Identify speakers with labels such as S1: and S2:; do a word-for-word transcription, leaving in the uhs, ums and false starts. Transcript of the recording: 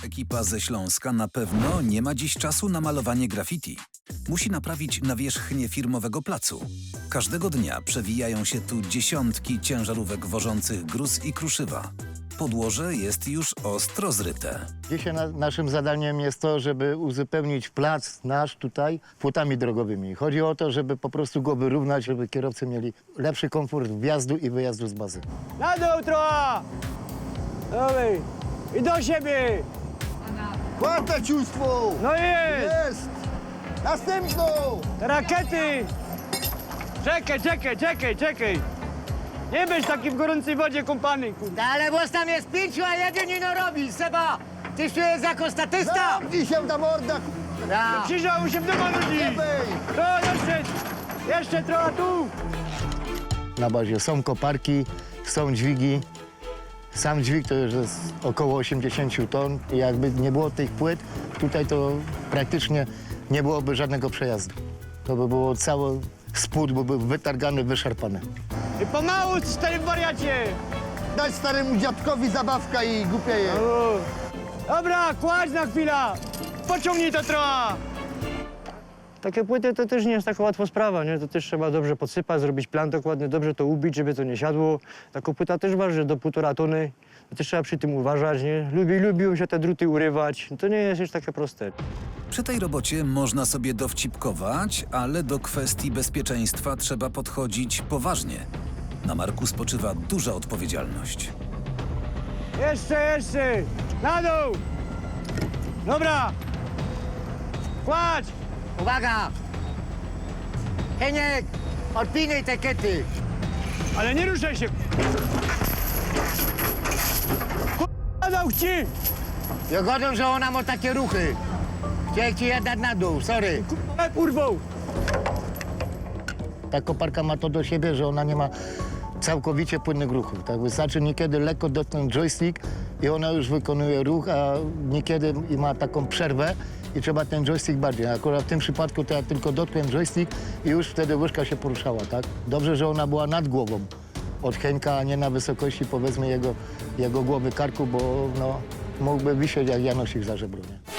S1: ekipa ze Śląska na pewno nie ma dziś czasu na malowanie graffiti. Musi naprawić nawierzchnię firmowego placu. Każdego dnia przewijają się tu dziesiątki ciężarówek wożących gruz i kruszywa. Podłoże jest już ostro zryte.
S2: Dzisiaj na, naszym zadaniem jest to, żeby uzupełnić plac nasz tutaj płotami drogowymi. Chodzi o to, żeby po prostu go wyrównać, żeby kierowcy mieli lepszy komfort wjazdu i wyjazdu z bazy.
S3: Na dół trochę! Dawaj! I do siebie!
S4: Czwarte ciuństwo!
S3: No jest!
S4: Jest! Następną!
S3: Rakiety! Czekaj, czekaj, czekaj, czekaj! Nie będziesz taki w gorącej wodzie kąpany, kurde.
S5: No, ale was tam jest pięciu, a jeden nie no robi. Seba, tyś tu jest jako statysta.
S4: Zamknij się ta morda!
S5: Ja.
S3: Krzyżało się w domu ludzi!
S4: Lewej!
S3: To jeszcze, jeszcze trochę tu!
S2: Na bazie są koparki, są dźwigi. Sam dźwig to już jest około osiemdziesiąt ton. I jakby nie było tych płyt, tutaj to praktycznie nie byłoby żadnego przejazdu. To by było cały spód, by był wytargany, wyszarpany.
S3: I pomału, stary wariacie!
S4: Daj staremu dziadkowi zabawka i głupieje.
S3: O. Dobra, kładź na chwilę! Pociągnij to trochę! Takie płyty to też nie jest taka łatwa sprawa, nie? To też trzeba dobrze podsypać, zrobić plan dokładnie, dobrze to ubić, żeby to nie siadło. Taka płyta też waży do półtora tony. To też trzeba przy tym uważać, nie? Lubi, lubią się te druty urywać. To nie jest już takie proste.
S1: Przy tej robocie można sobie dowcipkować, ale do kwestii bezpieczeństwa trzeba podchodzić poważnie. Na Marku spoczywa duża odpowiedzialność.
S3: Jeszcze, jeszcze! Na dół! Dobra! Kładź!
S5: Uwaga! Heniek, odpinaj te kety.
S3: Ale nie ruszaj się! K***a dał ci!
S5: Ja godzę, że ona ma takie ruchy. Chciałem ci je dać na dół, sorry.
S3: K***a urwał!
S2: Ta koparka ma to do siebie, że ona nie ma całkowicie płynnych ruchów. Tak? Wystarczy niekiedy lekko dotknąć joystick i ona już wykonuje ruch, a niekiedy i ma taką przerwę i trzeba ten joystick bardziej. Akurat w tym przypadku to ja tylko dotknąłem joystick i już wtedy łyżka się poruszała. Tak? Dobrze, że ona była nad głową od Henka, a nie na wysokości powiedzmy jego, jego głowy, karku, bo no, mógłby wisieć jak Janosik za żebro. Nie?